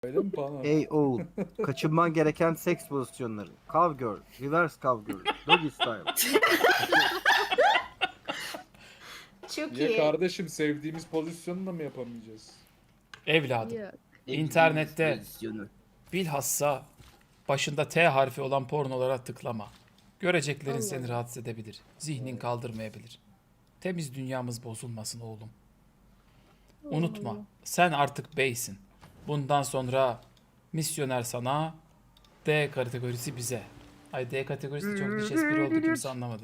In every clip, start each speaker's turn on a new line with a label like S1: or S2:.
S1: Öyle mi bana?
S2: Ey oğul, kaçınman gereken seks pozisyonları. Cowgirl, reverse cowgirl, doggy style.
S3: Çok
S1: Niye
S3: iyi.
S1: kardeşim, sevdiğimiz pozisyonu da mı yapamayacağız?
S4: Evladım.
S5: Yok.
S4: İnternette
S2: Pozisyonu.
S4: bilhassa başında T harfi olan pornolara tıklama. Göreceklerin
S5: Allah
S4: seni
S5: Allah.
S4: rahatsız edebilir. Zihnin kaldırmayabilir. Temiz dünyamız bozulmasın oğlum. Unutma,
S5: Allah.
S4: sen artık beysin. Bundan sonra misyoner sana, D kategorisi bize. Ay D kategorisi de çok bir espri oldu, kimse anlamadı.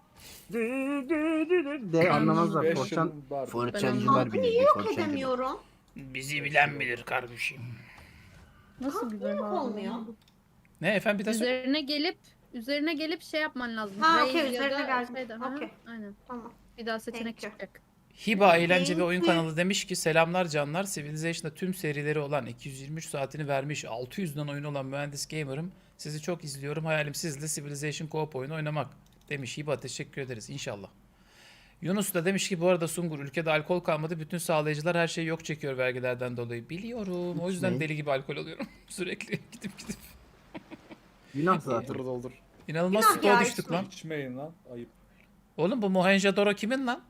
S2: De anlamazlar.
S1: 5
S2: Forçan,
S1: yılım var.
S2: forçancılar
S3: Halkı
S2: bilir.
S3: niye yok
S2: forçancılar.
S3: edemiyorum?
S4: Bizi bilen bilir kardeşim.
S5: Nasıl güzel
S3: Yok
S5: abi?
S3: olmuyor.
S4: Ne efendim, bir daha söyle.
S5: Üzerine gelip şey yapman lazım.
S3: Ha,
S5: Raise
S3: okey,
S5: ya
S3: üzerine
S5: da
S3: geldim.
S5: şeyde, ha,
S3: Okey.
S5: Aynen.
S3: Tamam.
S5: Bir daha seçenek
S3: Thank you.
S5: çıkacak.
S4: Hiba Eğlence ve Oyun kanalı demiş ki selamlar canlar. Civilization'da tüm serileri olan 223 saatini vermiş 600'den oyun olan mühendis gamer'ım. Sizi çok izliyorum. Hayalim sizle Civilization co-op oyunu oynamak demiş. Hiba teşekkür ederiz inşallah. Yunus da demiş ki bu arada Sungur ülkede alkol kalmadı. Bütün sağlayıcılar her şeyi yok çekiyor vergilerden dolayı. Biliyorum. O yüzden
S2: İçmeyin.
S4: deli gibi alkol alıyorum. Sürekli gidip.
S2: Günah zaten.
S1: Doldur doldur.
S4: İnanılmaz
S3: Günah
S4: stoğa
S3: ya,
S4: düştük
S3: içmeyin.
S4: lan.
S1: İçmeyin lan. Ayıp.
S4: Oğlum bu Mohenjo-Daro kimin lan?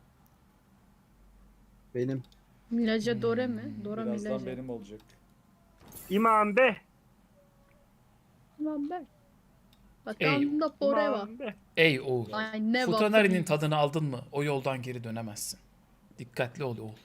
S2: Benim.
S5: Milaje Dore mi? Dora
S1: Birazdan
S5: Milaje.
S1: benim olacak.
S2: İmam be.
S5: Lan ben.
S4: Ey.
S5: Wakanda forever.
S2: İmam be.
S4: Ey oğul.
S5: Ay ne
S4: Futanari'nin tadını aldın mı? O yoldan geri dönemezsin. Dikkatli ol oğul.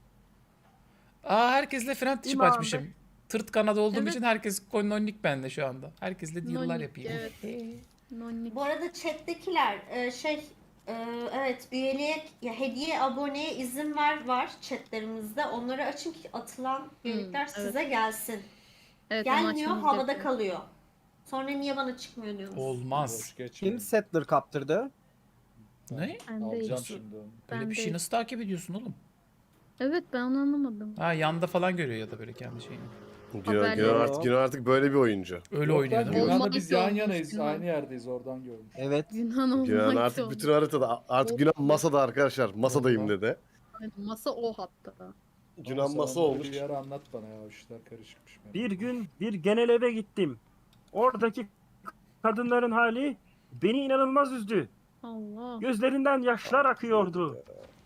S4: Aa herkesle friend ship
S2: İmam
S4: açmışım. Tırt kanadı olduğum
S5: Evet.
S4: için herkes nonnik bende şu anda. Herkesle deal'lar
S5: Nonnik,
S4: yapayım.
S5: evet. Nonnik.
S3: Bu arada chat'tekiler evet, üyeliğe ya hediye aboneye izin var chatlerimizde. Onları açın ki atılan üyelikler
S5: evet.
S3: size gelsin.
S5: Evet, onu
S3: Gelmiyor,
S5: açmamız
S3: havada
S5: gerekiyor.
S3: kalıyor. Sonra niye bana çıkmıyor diyorsunuz?
S4: Olmaz.
S1: Boş geçmeyin.
S2: Kim settler kaptırdı?
S4: Ne?
S5: Ben
S1: Alacağım
S5: değil.
S1: şimdi onu.
S4: Böyle
S5: Ben
S4: bir şey
S5: değil.
S4: nasıl takip ediyorsun oğlum?
S5: Evet, ben onu anlamadım.
S4: Ha yanda falan görüyor ya da böyle kendi şeyini.
S5: Haberleri-
S6: Günan artık böyle bir oyuncu.
S4: Öyle
S1: Yok
S4: oynuyor
S1: lan,
S4: değil mi?
S1: Günhan'la
S5: Olmaz
S1: biz
S5: ki
S1: yan
S5: olmuş
S1: yanayız.
S5: Günhan.
S1: Aynı yerdeyiz, oradan görmüş.
S2: Evet.
S5: Günan olmak
S6: Günan artık
S5: olmuş.
S6: bütün haritada. Artık Günan masada arkadaşlar. Masadayım
S1: Olmaz.
S6: dedi.
S5: Evet, masa o hatta.
S6: Günan
S1: Sen
S6: masa
S1: onu
S6: olmuş.
S1: Bir yer anlat bana ya, o işler karışıkmış. benim.
S7: Bir gün bir genel eve gittim. Oradaki kadınların hali beni inanılmaz üzdü.
S5: Allah.
S7: Gözlerinden yaşlar akıyordu.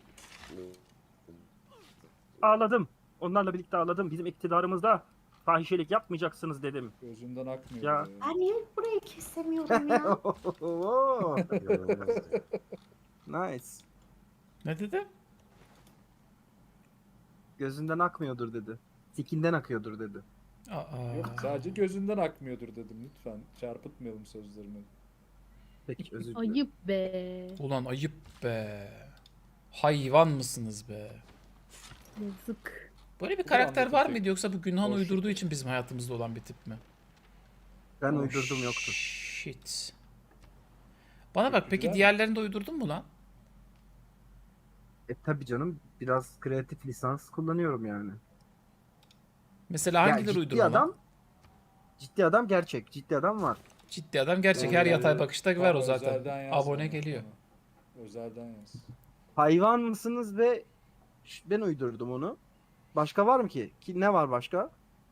S7: Ağladım. Onlarla birlikte ağladım. Bizim iktidarımızda fahişelik yapmayacaksınız dedim.
S1: Gözünden akmıyor.
S7: Ya.
S1: böyle.
S3: Ben niye burayı kesemiyorum ya?
S2: Nice.
S4: Ne dedi?
S2: Gözünden akmıyordur dedi. Sikinden akıyordur dedi.
S4: Aa.
S1: Yok, sadece gözünden akmıyordur dedim, lütfen. Çarpıtmayalım sözlerimi.
S2: Peki özür dilerim.
S5: Ayıp be.
S4: Ulan ayıp be. Hayvan mısınız be?
S5: Yazık.
S4: Böyle bir
S1: Bu
S4: karakter
S1: anda
S4: var
S1: tek-
S4: mıydı yoksa bu Günhan
S1: Boş
S4: uydurduğu
S1: ver.
S4: için bizim hayatımızda olan bir tip mi?
S2: Ben
S4: Oh,
S2: uydurdum yoktu.
S4: Shit. Bana bak peki
S1: güzel.
S4: diğerlerini de uydurdun mu lan?
S2: Tabi canım biraz kreatif lisans kullanıyorum yani.
S4: Mesela
S2: Ya
S4: hangileri
S2: ciddi
S4: uydurma lan?
S2: adam, ciddi adam gerçek. Ciddi adam var.
S4: Ciddi adam gerçek, her
S1: Yani
S4: yatay bakışta
S1: tam
S4: ver o zaten.
S1: özelden yaz
S4: Abone
S1: bana,
S4: geliyor.
S1: tamam. Özelden yaz.
S2: Hayvan mısınız ve ben uydurdum onu. Başka var mı ki? Ne var başka?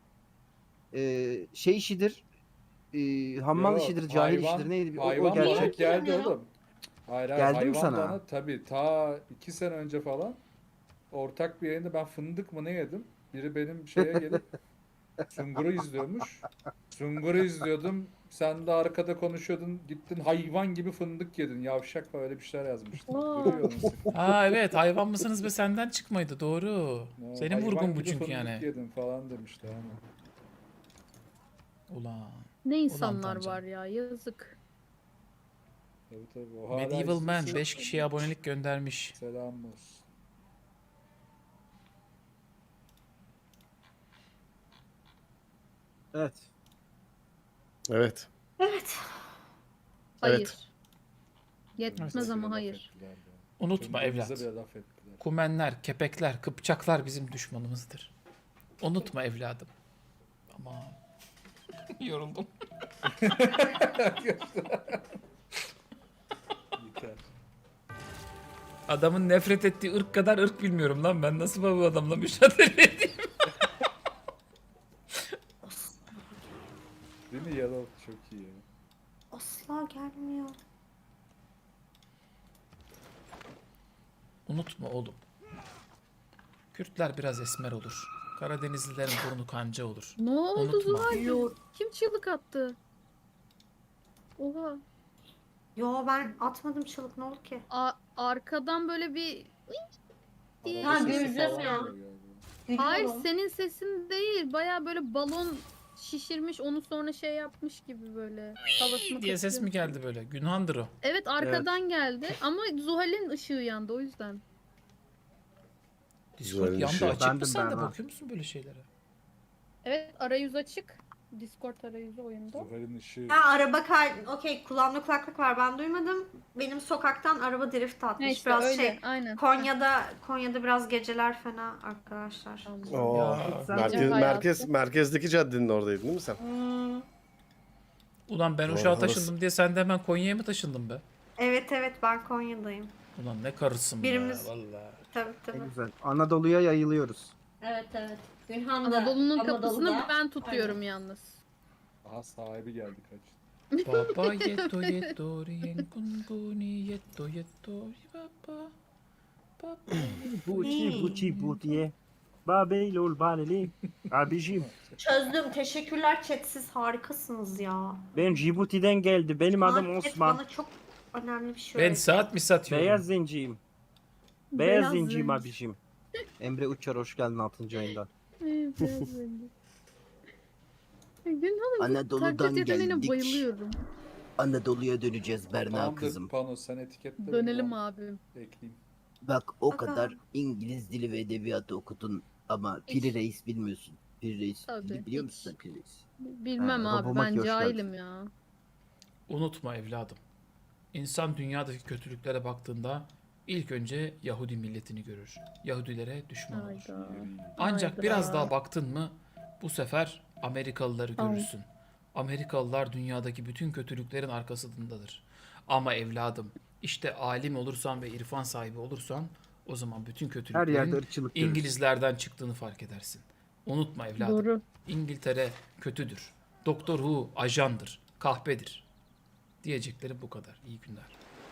S2: Şey işidir. Hammal
S1: Yok,
S2: işidir, cahil
S1: hayvan-
S2: işidir. Neydi? O
S1: Hayvan bana
S2: gerçek.
S1: geldi
S3: Bilmiyorum.
S1: oğlum. Hayır,
S2: Geldi mi
S1: hayvan
S2: sana?
S1: bana tabii ta 2 sene önce falan ortak bir yayında ben fındık mı ne yedim? Biri benim şeye gelip Sungur'u izliyormuş. Sungur'u izliyordum. Sen de arkada konuşuyordun. Gittin hayvan gibi fındık yedin. Yavşak falan, öyle bir şeyler yazmıştın.
S5: Aa.
S1: Duruyor musun?
S4: Aa evet, hayvan mısınız be senden çıkmaydı, doğru. Senin
S1: Hayvan
S4: vurgun bu
S1: gibi
S4: çünkü
S1: fındık
S4: yani.
S1: Yedin falan demişti hani.
S4: Ulan.
S5: Ne insanlar
S4: Tancan.
S5: var ya, yazık.
S1: Tabii tabii. O hala
S4: Medieval Man
S1: izliyorsa
S4: 5 kişiye abonelik göndermiş.
S1: Selam olsun.
S2: Evet.
S6: Evet.
S3: Evet.
S5: Hayır.
S6: Evet.
S5: Yetmez
S1: Bize
S5: ama
S1: bile laf
S5: hayır.
S1: ettiler be.
S4: Unutma
S1: Birbirimize
S4: evlat.
S1: bile laf ettiler.
S4: Kumenler, kepekler, kıpçaklar bizim düşmanımızdır. Unutma evladım. Ama yoruldum.
S1: Yeter.
S4: Adamın nefret ettiği ırk kadar ırk bilmiyorum lan ben. Nasıl bu adamla mücadele edeyim?
S1: Değil mi? Yellow çok iyi ya.
S3: Asla gelmiyor.
S4: Unutma oğlum. Kürtler biraz esmer olur. Karadenizlilerin burnu kanca olur.
S5: Ne oldu
S4: Unutma.
S5: Zuhal? Kim çığlık attı? Oha.
S3: Yo ben atmadım çığlık, ne oldu ki?
S5: Arkadan böyle bir... diye
S3: Ha,
S5: ses
S3: gözlem
S5: geldi.
S3: ya.
S5: Hayır,
S3: Gülüyorum.
S5: senin sesin değil. Baya böyle balon şişirmiş, onu sonra şey yapmış gibi böyle. Havasını
S4: diye ses mi
S5: katıyor.
S4: geldi böyle? Günhandır o.
S5: Evet, arkadan geldi ama Zuhal'in ışığı yandı o yüzden.
S4: Discord
S6: Güzel
S4: yanda
S6: şey.
S4: açık mı
S2: Bendim
S4: sen
S2: ben,
S4: de
S2: ha.
S4: bakıyor musun böyle şeylere?
S5: Evet, arayüz açık. Discord arayüzü oyunda.
S1: Zuhal'in ışığı.
S3: Ha, araba okey, kulağımda kulaklık var, ben duymadım. Benim sokaktan araba drift atmış.
S5: Ne işte
S3: Biraz
S5: öyle,
S3: şey,
S5: aynen.
S3: Konya'da biraz geceler fena arkadaşlar.
S6: Oo,
S4: Ya.
S6: merkezdeki caddenin oradaydın değil mi sen?
S3: Hmm,
S4: Ulan ben
S6: Doğru,
S4: Uşak'a
S6: orası.
S4: taşındım diye sen de hemen Konya'ya mı taşındın be?
S3: evet ben Konya'dayım.
S4: Ulan ne karısın
S3: Birimiz-
S4: be vallahi.
S3: Tabii
S2: Ne
S3: tabii.
S2: güzel. Anadolu'ya yayılıyoruz.
S3: Evet. Günhan'da.
S5: Anadolu'nun kapısını
S3: Anadolu'da.
S5: ben tutuyorum yalnız.
S1: Aha sahibi geldi kaç.
S4: Baba yeto yeto rien kunkuni yeto yeto baba. Baba.
S7: Buçi buçi butiye. Babeylol baneli. Abicim
S3: Çözdüm. Teşekkürler chat, siz harikasınız ya.
S7: ben Djibouti'den geldi. Benim adım
S3: Chat
S7: Osman.
S3: bana çok önemli bir şey
S4: Ben
S3: öğretti.
S4: saat mi satıyorum?
S7: Beyaz zenciyim. Beyaz
S5: Beyaz
S7: zenciyim
S5: zenci.
S7: abicim.
S2: Emre Uçar hoş geldin 6. ayında.
S5: Evet, biraz öyle. Günhan'ın bu
S8: Anadolu'dan
S5: taklit yeteneğine
S8: geldik.
S5: bayılıyorum.
S8: Anadolu'ya döneceğiz Berna
S1: Tamamdır
S8: kızım.
S1: Pano, sen etiketle.
S5: Dönelim
S1: ben
S5: abim.
S1: Ekleyeyim.
S8: Bak o
S3: Aga.
S8: kadar İngiliz dili ve edebiyatı okudun ama Piri Reis bilmiyorsun. Piri Reis
S5: Tabii,
S8: biliyor
S5: hiç.
S8: musun sen Piri Reis?
S5: Bilmem
S2: Ha,
S5: abi,
S2: Robomaki
S5: ben
S2: hoş geldin.
S5: cahilim ya.
S4: Unutma evladım. İnsan dünyadaki kötülüklere baktığında ilk önce Yahudi milletini görür. Yahudilere düşman olur.
S5: Hayda.
S4: Ancak
S5: Hayda.
S4: biraz daha baktın mı bu sefer Amerikalıları
S5: Ay.
S4: görürsün. Amerikalılar dünyadaki bütün kötülüklerin arkasındadır. Ama evladım işte alim olursan ve irfan sahibi olursan o zaman bütün
S2: Her yerde
S4: kötülüklerin
S2: ırkçılık görürüz.
S4: İngilizlerden çıktığını fark edersin. Unutma evladım.
S5: Doğru.
S4: İngiltere kötüdür. Doktor Who ajandır. Kahpedir. Diyeceklerim bu kadar. İyi günler.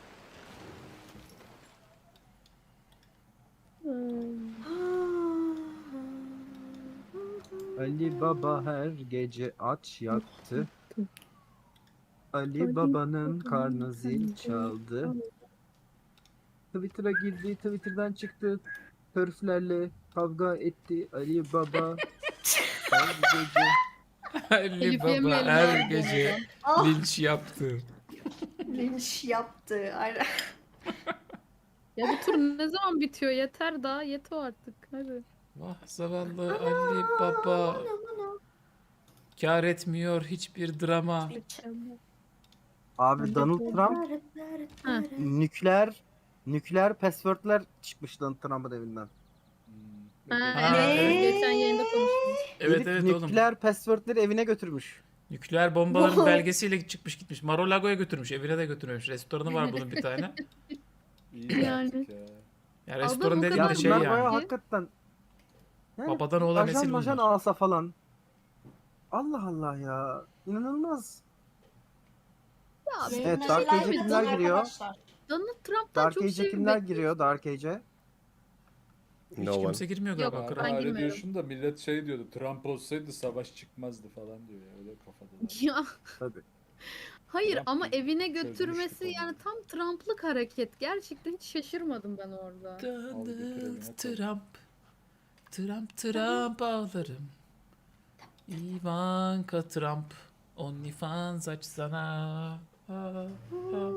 S2: Ali Baba her gece aç yattı. Ali Baba'nın karnı zil çaldı. Twitter'a girdi, Twitter'dan çıktı. Hörflerle kavga etti Ali Baba. Her gece.
S4: Ali
S5: Elif
S4: Baba
S5: yemeyelim
S4: her
S5: abi
S4: gece
S3: Ah,
S4: linç yaptı.
S3: linç yaptı. Aynen.
S5: Ya bu tur ne zaman bitiyor? Yeter daha. Yeter artık. Hadi.
S4: Vah zavallı Ali Baba. Kâr etmiyor hiçbir drama.
S2: Abi Donald Trump
S5: Ha.
S2: nükleer password'ler çıkmış Donald Trump'ın evinden.
S5: Ha,
S4: Ha,
S5: evet,
S3: evet.
S5: geçen yayında konuştuk.
S4: Evet
S2: Herif
S4: evet oğlum.
S2: nükleer password'leri evine götürmüş.
S4: Nükleer bombaların belgesiyle çıkmış gitmiş. Mar-a-Lago'ya götürmüş. Evine de götürmemiş. Restoranı var bunun bir tane.
S1: İyi
S5: Yani.
S1: yaptık ya.
S4: Ya
S5: Adam
S4: restoran
S5: bu
S4: dediğim
S2: Ya
S4: de
S5: kadar
S4: şey
S2: bunlar
S4: yani.
S2: bayağı
S5: Ki-
S2: hakikaten. Yani
S4: Babadan oğlan
S2: ajan
S4: nesil
S2: majan
S4: bunlar.
S2: alsa falan. Allah Allah ya. İnanılmaz.
S5: Ya
S3: Benim
S2: Evet,
S3: de
S2: Dark
S3: şeyler
S2: Age'e
S3: bitti
S2: kimler giriyor?
S3: arkadaşlar.
S5: Donald Trump'tan
S2: Dark
S5: çok
S2: Age'e
S5: şey
S2: kimler
S5: bekliyorum.
S2: giriyor Dark Age'e?
S4: Hiç
S6: No one.
S4: kimse girmiyor
S5: Yok,
S4: galiba.
S5: ben
S4: kral.
S1: Hala öyle
S5: girmiyorum.
S1: diyorsun da millet şey diyordu. Trump olsaydı savaş çıkmazdı falan diyor ya. Öyle kafadalar.
S5: Ya
S2: Tabii.
S5: hayır
S1: Trump
S5: ama
S1: gibi
S5: evine
S1: çözmüş
S5: götürmesi
S1: bu
S5: yani
S1: konuyu.
S5: tam Trump'lık hareket. Gerçekten hiç şaşırmadım ben orada.
S1: Al götür evine
S4: Donald
S1: koy.
S4: Trump. Trump ağlarım. Ivanka Trump. OnlyFans açsana. Ha, ha.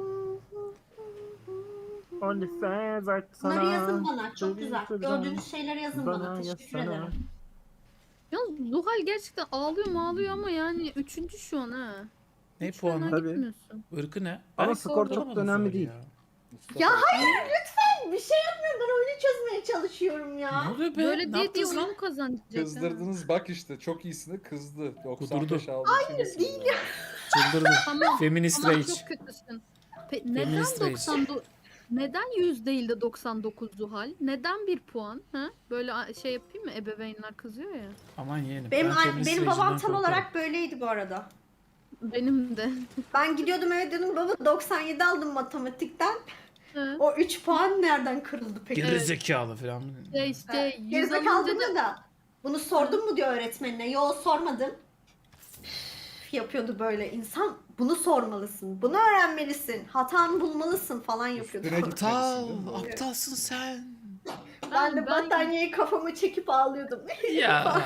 S7: OnlyFans aç
S3: Bunları
S7: sana.
S3: yazın bana. Çok güzel.
S7: Şuradan
S3: Gördüğünüz şeyleri yazın bana. Teşekkür
S7: yazsana.
S3: ederim.
S5: Ya Zuhal gerçekten ağlıyor ama yani üçüncü şu an ha.
S4: Ne
S5: Hiç fena
S4: puanı?
S2: Tabii.
S5: gitmiyorsun.
S4: Irkı ne?
S2: Ama
S4: Ben
S2: skor çok
S4: bulamadım
S2: da önemli
S4: Zuhal'i
S2: değil.
S4: ya.
S1: Mustafa,
S3: Ya hayır lütfen bir şey yapmayın. Ben oyunu çözmeye çalışıyorum
S4: Ne
S3: ya.
S4: oluyor be?
S5: Böyle
S4: ne
S5: diye
S4: yaptınız lan?
S5: oyunu kazanacak ha.
S1: kızdırdınız bak işte. Çok iyisini kızdı. 95
S4: Kudurdu.
S1: aldı. Hayır değil ya.
S4: Çıldırdı.
S5: Tamam.
S4: Feminist
S5: Tamam,
S4: rage.
S5: çok kötüsün. Neden
S4: Feminist rage.
S5: 99? Neden 100 değil de 99 Zuhal? Neden 1 puan? Ha? Böyle şey yapayım mı? Ebeveynler kızıyor ya.
S4: Aman yeğenim.
S3: Benim,
S4: ben feminist
S3: benim
S4: rage'den
S3: babam tam
S4: korkarım.
S3: olarak böyleydi bu arada.
S5: Benim de.
S3: Ben gidiyordum eve diyordum baba 97 aldım matematikten.
S5: Hı.
S3: O 3 puan nereden kırıldı peki?
S4: Geri zekalı falan.
S5: İşte 100
S3: Gerizekalı
S5: alınca da
S3: demiyor da. Bunu sordun mu diyor öğretmenine. Yo sormadım. Üf, yapıyordu böyle. İnsan bunu sormalısın. Bunu öğrenmelisin. Hatanı bulmalısın falan yapıyordu.
S1: Üstüne
S4: Aptal,
S1: gitmelisin değil mi?
S4: aptalsın sen.
S3: Ben de
S5: Ben-
S3: battaniyeyi kafama çekip ağlıyordum.
S4: Ya.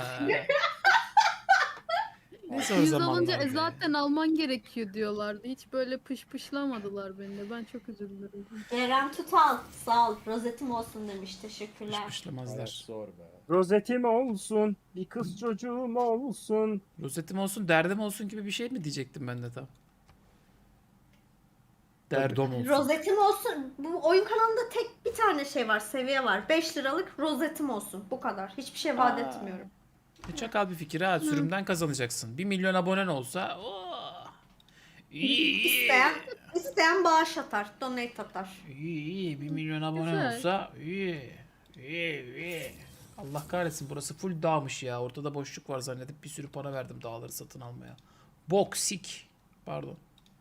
S4: Ne zor
S5: 100
S4: zamanlar
S5: alınca
S4: be.
S5: zaten alman gerekiyor diyorlardı. Hiç böyle pışpışlamadılar beni de. Ben çok üzüldüm.
S3: Ceren Tutal sağ ol. Rozetim olsun demiş. Teşekkürler.
S1: Hayat
S4: Başlamazlar.
S1: zor be.
S7: Rozetim olsun, bir kız çocuğum olsun.
S4: Rozetim olsun, derdim olsun gibi bir şey mi diyecektim ben de tam. Derdim olsun.
S3: Rozetim olsun. Bu oyun kanalında tek bir tane şey var. Seviye var. 5 liralık rozetim olsun. Bu kadar. Hiçbir şey vaat etmiyorum.
S4: Ne çakal bir fikir ha. Sürümden kazanacaksın. 1 milyon abonen olsa. Oh. İyi.
S3: İsteyen bağış atar. Donate atar.
S4: İyi. 1 milyon abonen
S5: Güzel.
S4: olsa. İyi. İyi. Allah kahretsin, burası full dağmış ya. Ortada boşluk var zannedip bir sürü para verdim dağları satın almaya. Boksik. Pardon.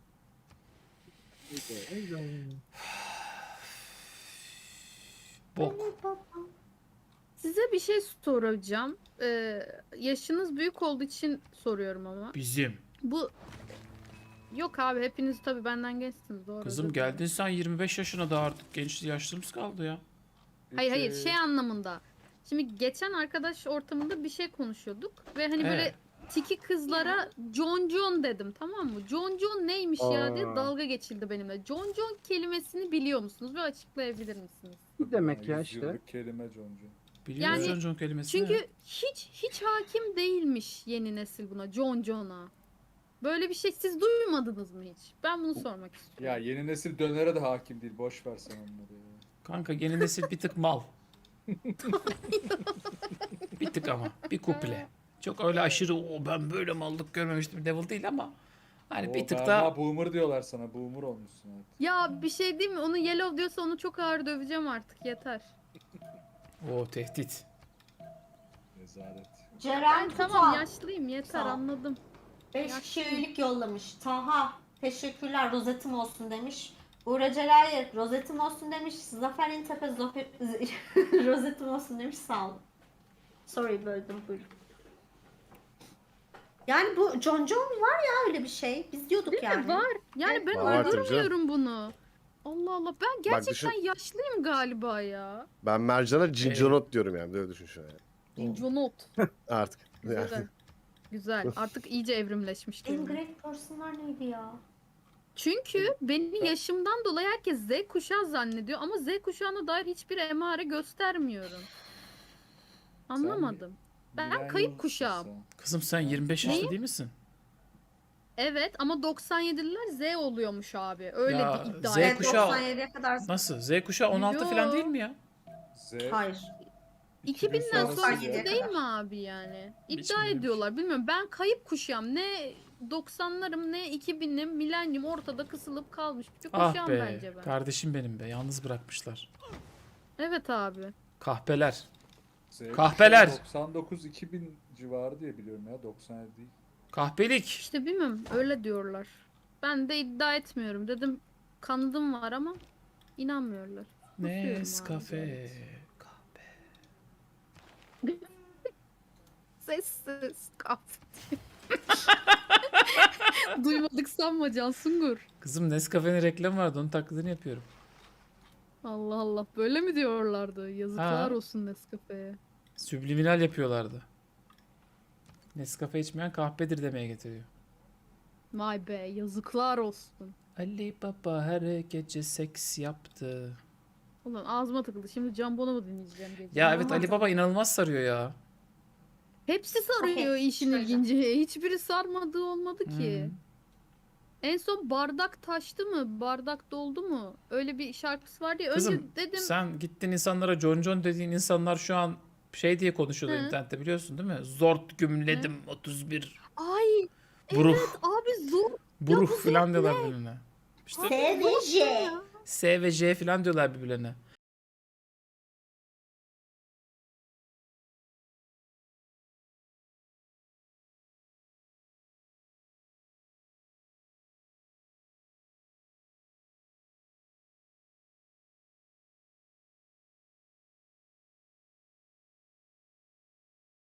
S4: Bok.
S5: Size bir şey soracağım. Yaşınız büyük olduğu için soruyorum ama.
S4: Bizim.
S5: Bu yok abi, hepiniz tabii benden gençsiniz, doğru.
S4: Kızım
S5: özür dilerim.
S4: geldin sen 25 yaşına da artık genç yaşlımız kaldı ya.
S5: Hayır
S1: İki-
S5: şey anlamında. Şimdi geçen arkadaş ortamında bir şey konuşuyorduk ve hani böyle
S4: Evet.
S5: tiki kızlara John dedim, tamam mı? John neymiş ya diye
S7: Aa.
S5: dalga geçildi benimle. John kelimesini biliyor musunuz ve açıklayabilir misiniz?
S2: Ne demek ya
S1: 100
S2: işte?
S1: yıllık kelime Concu.
S4: Biliyor
S5: Yani
S4: musun John kelimesini?
S5: Çünkü hiç hakim değilmiş yeni nesil buna, John'a. Böyle bir şey siz duymadınız mı hiç? Ben bunu sormak
S1: Ya
S5: istiyorum.
S1: yeni nesil dönere de hakim değil. Boş ver sen onları ya.
S4: Kanka yeni nesil bir tık mal. Bir tık ama. Bir kuple. Çok öyle aşırı o ben böyle mallık görmemiştim level değil ama hani bir tık
S1: Ama
S4: daha
S1: boomer diyorlar sana. Boomer olmuşsun artık.
S5: Ya bir şey değil mi? Onu yellow diyorsa onu çok ağır döveceğim artık, yeter.
S4: o tehdit.
S1: Rezalet.
S3: Ceren
S5: Ben tamam
S3: Tutal.
S5: yaşlıyım, yeter,
S3: Sağ ol.
S5: anladım.
S3: 5 kişi üyelik yollamış. Taha. Teşekkürler. Rozetim olsun demiş. Uğur Celayir. Rozetim olsun demiş. Zafer İntepe. Rozetim olsun demiş. Sağ olun. Sorry böldüm. Buyurun. Yani bu John var ya öyle bir şey. Biz diyorduk
S5: Değil
S3: yani.
S5: mi? Var. Yani ben
S6: Var tabii
S5: uydurmuyorum bunu. Allah Allah, ben gerçekten
S6: düşün-
S5: yaşlıyım galiba ya.
S6: Ben Mercan'a cinconot diyorum yani. Böyle düşün şu an. Yani.
S5: Jonot.
S6: Artık. Yani.
S5: Güzel. Güzel. Artık iyice evrimleşmiş kelime.
S3: Ingrid personlar neydi ya?
S5: Çünkü beni yaşımdan dolayı herkes Z kuşağı zannediyor ama Z kuşağına dair hiçbir emare göstermiyorum. Anlamadım. Ben
S1: Millennial
S5: kayıp
S1: mısın
S5: kuşağım.
S1: sen?
S4: Kızım sen 25 yaşında değil misin?
S5: Evet ama 97'liler Z oluyormuş abi. Öyle
S4: Ya,
S5: bir iddia.
S4: Z
S3: Evet,
S4: kuşağı-
S3: 97'ye kadar.
S4: Nasıl? Z kuşağı 16
S5: Yo.
S4: falan değil mi ya?
S1: Z
S3: Hayır.
S5: 2000'den
S1: sonrası
S5: sonrası
S3: diye
S5: değil
S3: kadar.
S5: mi abi yani?
S4: Hiç
S5: İddia
S4: bilmiyorum.
S5: ediyorlar. Bilmiyorum. Ben kayıp kuşağım. Ne 90'larım ne 2000'lim, milenyum ortada kısılıp kalmış bir
S4: Ah
S5: kuşağım
S4: be.
S5: bence ben.
S4: Kardeşim benim be. Yalnız bırakmışlar.
S5: Evet abi.
S4: Kahpeler.
S1: Z
S4: Kahpeler.
S1: 99-2000 civarı diye biliyorum ya. 97 değil.
S4: Kahpelik.
S5: İşte bilmiyorum. Öyle diyorlar. Ben de iddia etmiyorum. Dedim kanıdım var ama inanmıyorlar. Susuyorum abi.
S4: Nescafe. Kahpe.
S5: Sessiz kahve. Duymadık sanma Cansungur.
S4: Kızım Nescafe'nin reklamı vardı. Onun taklidini yapıyorum.
S5: Allah Allah, böyle mi diyorlardı? Yazıklar
S4: Ha.
S5: olsun Nescafe'ye.
S4: Subliminal yapıyorlardı. Nescafe içmeyen kahpedir demeye getiriyor.
S5: Vay be, yazıklar olsun.
S4: Ali Baba her gece seks yaptı.
S5: Ulan ağzıma takıldı. Şimdi Can Bonomo mu dinleyeceğim gece?
S4: Ya evet
S5: Ama
S4: Ali Baba inanılmaz sarıyor ya.
S5: hepsi sarıyor
S3: Okey,
S5: işin
S3: söyleyeceğim.
S5: ilginci. Hiçbiri sarmadığı olmadı ki.
S4: Hı.
S5: En son bardak taştı mı? Bardak doldu mu? Öyle bir şarkısı vardı ya.
S4: Kızım
S5: Önce dedim
S4: sen gittin insanlara John dediğin insanlar şu an şey diye konuşuyorlar
S5: Hı.
S4: internette biliyorsun değil mi? Zort gümledim 31
S5: ay
S4: buruh
S5: abi zor.
S4: buruh
S5: bu
S4: falan
S5: zort
S4: diyorlar birbirine. İşte
S3: S ve J.
S4: S ve J falan diyorlar birbirlerine.